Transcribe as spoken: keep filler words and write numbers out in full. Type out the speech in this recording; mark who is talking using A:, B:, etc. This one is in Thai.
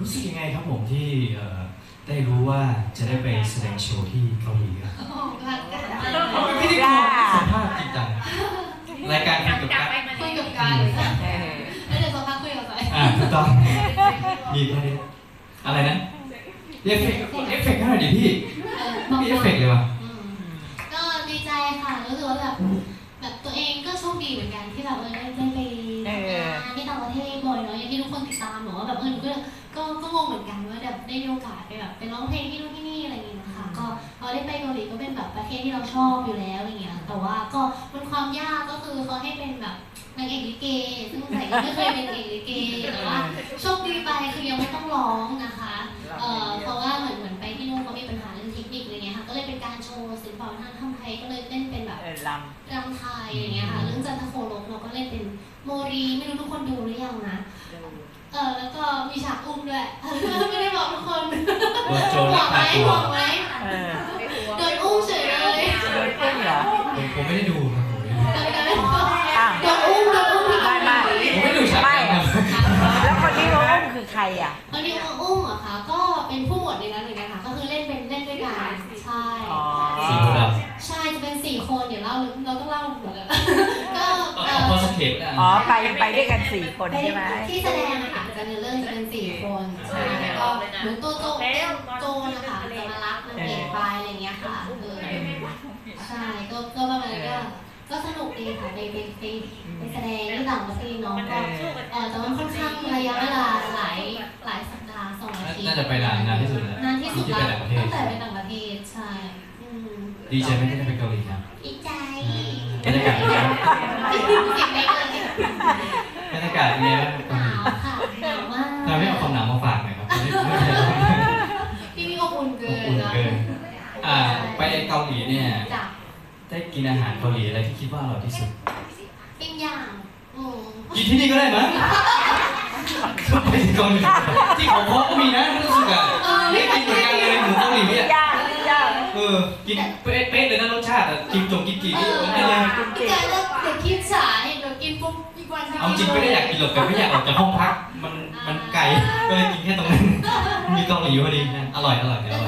A: รู้สึกยังไงครับผมที่เอ่อได้รู้ว่าจะได้ไปแสดงโชว์ที่เกาหลีครับ
B: โอ้โหรักกันมาก
A: ไม่ได้กลัวสัมภาษณ์จริงจังรายการคุยกับการ
B: คุยกับการเลยค่ะ
C: เออ
B: แล้วเดี๋ยวสักพักคุยกับใคร
A: อ่าถูกต้องมีประเด็นอะไรนะเอฟเฟกต์เอฟเฟกต์ให้หน่อยดิพี่
B: เออ
A: ไม่มีเอฟเฟกต์เลยวะ
B: อืมก็ดีใจค่ะรู้สึกว่าแบบแบบตัวเองก็โชคดีเหมือนกันที่แบบเออได้ได้ไปทำงานที่ต่างประเทศบ่อยเนาะอย่างที่ทุกคนติดตามหนูว่าแบบเออหนูก็ก็ก็งงเหมือนกันว่าแบบได้มีโอกาสไปแบบไปร้องเพลงที่นู่นที่นี่อะไรอย่างเงี้ยนะคะก็พอได้ไปเกาหลีก็เป็นแบบประเทศที่เราชอบอยู่แล้วอะไรเงี้ยแต่ว่าก็มันความยากก็คือเขาให้เป็นแบบนางเอกลิเกซึ่งใส่ก็ไม่เคยเป็นนางเอกลิเกแต่ว่าโชคดีไปคือยังไม่ต้องร้องนะคะเอ่อเพราะว่าเหมือนเหมือนไปที่นู่นเขามีปัญหาเรื่องเทคนิคอะไรเงี้ยค่ะก็เลยเป็นการโชว์ศิลปะวัฒนธรรมไทยก็เลยเล่นเป็นแบบ
C: เออล
B: รำไทยอย่างเงี้ยค่ะเรื่องจันทโคลกเราก็เล่นเป็นโมรีไม่รู้ทุกคนดูหรือยังนะ
C: ำ
B: เออแล้วก็มีฉากอุ้มด้วย ไม่ได้บอกทุกคน
A: โดนโจร
B: บ
A: ลั
B: อก กไหม
A: พาตัว
B: บอกไหม
C: เออ
B: โดนอุ้มเฉยเลย
C: โดนปุ้งเหรอ
A: ผมผมไม่ได้ดูครับผมไม่ได้ดู
C: อ้าว
B: โดนอุ้มโดนอุ้มที่
C: ไม่ไม่
A: ผมไม่ได้ดูฉาก
C: ไม่
A: นั้น
C: อะ
A: ครับ
C: แล้วคนที่เขาอุ้มคือใครอ่ะ
B: วันนี้เขาอุ้มเหรอคะก็เป็นผู้หมวดในนั้นเหมือนกันค่ะก็คือเล่นเป็นเล่นด้วยกันใช่
C: อ๋อ
A: สีโพธิ์ด
B: ใช่จะเป็นสี่คนเดี๋ยวเล่าเราต้องเล่าหมดเลยก็
A: ำ
B: เอ
A: เอา
B: อ
A: พอสเก็ตนะ
C: อ๋อไปไปด้วยกันสี่คนใช่ไหม
B: ที่แสดงอะค่ะจะในเรื่องจะเป็นสี่คนใช่แล้วก็เหมือนตัวโจโจนะคะจะมารับนางเอกไปอะไรเงี้ยค่ะเออใช่ก็ก็ประมาณนั้นก็ก็สนุกดีค่ะไปไปไปไปแสดงที่ต่างประเทศเนาะก็เออแต่ว่าค่อนข้างระยะเวลาหลายหลายสัปดาห์สองอาทิตย์
A: น่าจะไปนานนานที่สุดแล้ว
B: นานที่สุด
A: ที่
B: แล้
A: ไป
B: ว
A: ต่างประเทศ
B: ตั้งแต่ไปต่างประเทศใช่อืม
A: ดีใจไหมที่ได้ไปเกาหลีครับ
B: ดีใจ
A: บรรยากาศเป็นไงบ้าง
B: เด็กเล็กเลย
A: บรรยากาศเป็นไงบ้าง
B: หนาวค่ะหนาวมาก
A: ทำให้เอาความหนาวมาฝากหน่อยครับไม่ไม่ใช่
B: ที่นี่ก็อุ่นเกิน
A: อุ่น
B: นะ
A: เกินอ่าไปเกาหลีเนี่ย
B: จ้ะ
A: ได้กินอาหารเกาหลีอะไรที่คิดว่าอร่อยที่สุด
B: ปิ้งย่างอืม
A: กินที่นี่ก็ได้มั้งไปเกาหลีที่เขาพบก็มีนะรู้สึกอ่ะไม่กินเหมือนกันเลยหมูเกาหลีเนี่ย
C: ย่างย่าง
A: เออกินเป๊ะๆเลยนะรสชาติอ่ะกินจงกินกี่
B: เอ
A: นี่
B: อ
A: ได้เลย
B: พี่กายเลิกเดี๋ยวคิดฉายเดี๋ยวกินปุ๊บอีกวัน
A: เอาจริงไม่ได้อยากกินหรอกแต่ไม่อยากออกจากห้องพักมันมันไกลก็เลยกินแค่ตรงนั้นมีเกาหลีพอดีนะอร่อยอร่อยเดี๋ยวอร่อย